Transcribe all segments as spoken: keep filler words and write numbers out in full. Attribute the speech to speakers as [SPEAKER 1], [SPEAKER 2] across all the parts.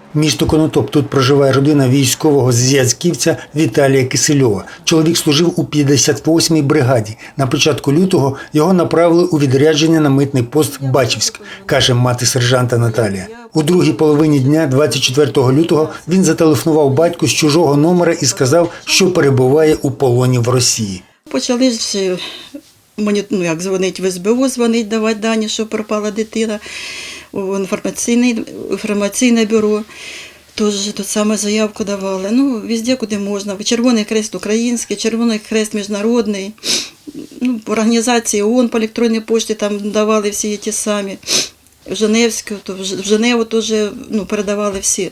[SPEAKER 1] Місто Конотоп. Тут проживає родина військового зв'язківця Віталія Кисельова. Чоловік служив у п'ятдесят восьмій бригаді. На початку лютого його направили у відрядження на митний пост Бачівськ, каже мати сержанта Наталія. У другій половині дня, двадцять четвертого лютого, він зателефонував батьку з чужого номера і сказав, що перебуває у полоні в Росії.
[SPEAKER 2] Почали ж мені, ну, як дзвонить в ес бе о, дзвонить, давати дані, що пропала дитина, у інформаційне, інформаційне бюро. Тож тут саме заявку давали. Ну, везде, куди можна. Червоний Хрест український, Червоний Хрест міжнародний. Ну, організації ООН по електронній пошті там давали всі ті самі. В Женевську, то в Женеву теж, ну, передавали всі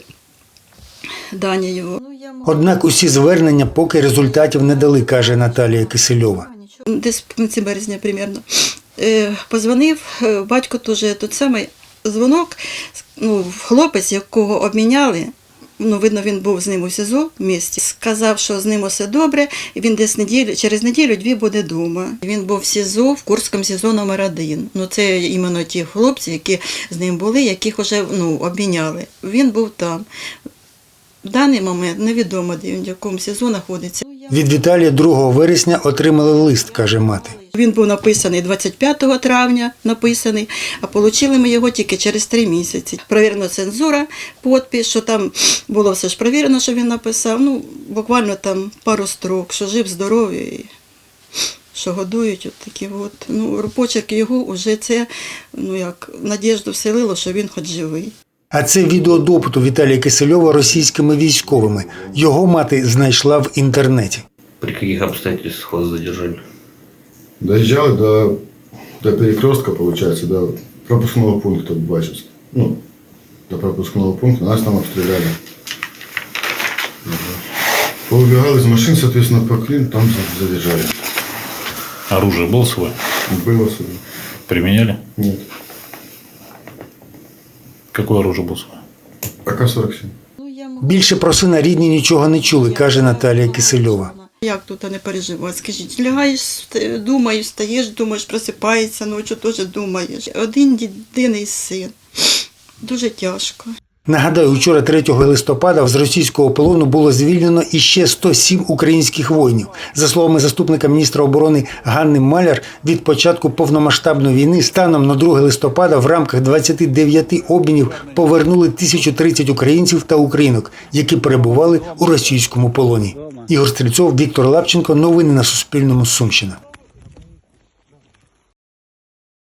[SPEAKER 2] дані його.
[SPEAKER 1] Однак усі звернення поки результатів не дали, каже Наталія Кисельова.
[SPEAKER 2] Десь в кінці березня, примерно. Позвонив, батько теж той самий дзвонок, ну, хлопець, якого обміняли, ну, видно, він був з ним у СІЗО в місті, сказав, що з ним усе добре, і він десь неділю, через неділю-дві буде вдома. Він був в СІЗО, в Курському СІЗО номер один. Ну, це іменно ті хлопці, які з ним були, яких вже, ну, обміняли. Він був там. В даний момент невідомо, де він, в якому СІЗО знаходиться.
[SPEAKER 1] Від Віталія другого вересня отримали лист, каже мати.
[SPEAKER 2] Він був написаний двадцять п'ятого травня, написаний, а отримали ми його тільки через три місяці. Провірена цензура, підпис, що там було все ж провірено, що він написав. Ну, буквально там пару строк, що жив, здоровий, що годують, от такі от. Ну, почерк його вже це, ну як, надіжду вселило, що він хоч живий.
[SPEAKER 1] А це відео допиту Віталія Кисельова російськими військовими. Його мати знайшла в інтернеті.
[SPEAKER 3] При яких обстоятельствах вас задержали?
[SPEAKER 4] Доезжали до, до перекрестка, получается, до пропускного пункта в Бачівськ. Ну, до пропускного пункта. Нас там обстреляли. Поубегали из машин, соответственно, по Клин, там задержали.
[SPEAKER 5] Оружие было свое?
[SPEAKER 4] Было свое.
[SPEAKER 5] Применяли?
[SPEAKER 4] Нет.
[SPEAKER 5] Какое оружие было свое?
[SPEAKER 4] А ка сорок сім.
[SPEAKER 1] Більше про сина рідні нічого не чули, каже Наталія Кисельова.
[SPEAKER 2] Як тут не переживати? Скажіть, лягаєш, думаєш, стаєш, думаєш, просипаєшся, ночі теж думаєш. Один єдиний син. Дуже тяжко.
[SPEAKER 1] Нагадаю, вчора третього листопада з російського полону було звільнено іще сто сім українських воїнів. За словами заступника міністра оборони Ганни Маляр, від початку повномасштабної війни станом на друге листопада в рамках двадцяти дев'яти обмінів повернули тисячу тридцять українців та українок, які перебували у російському полоні. Ігор Стрільцов, Віктор Лапченко. Новини на Суспільному. Сумщина.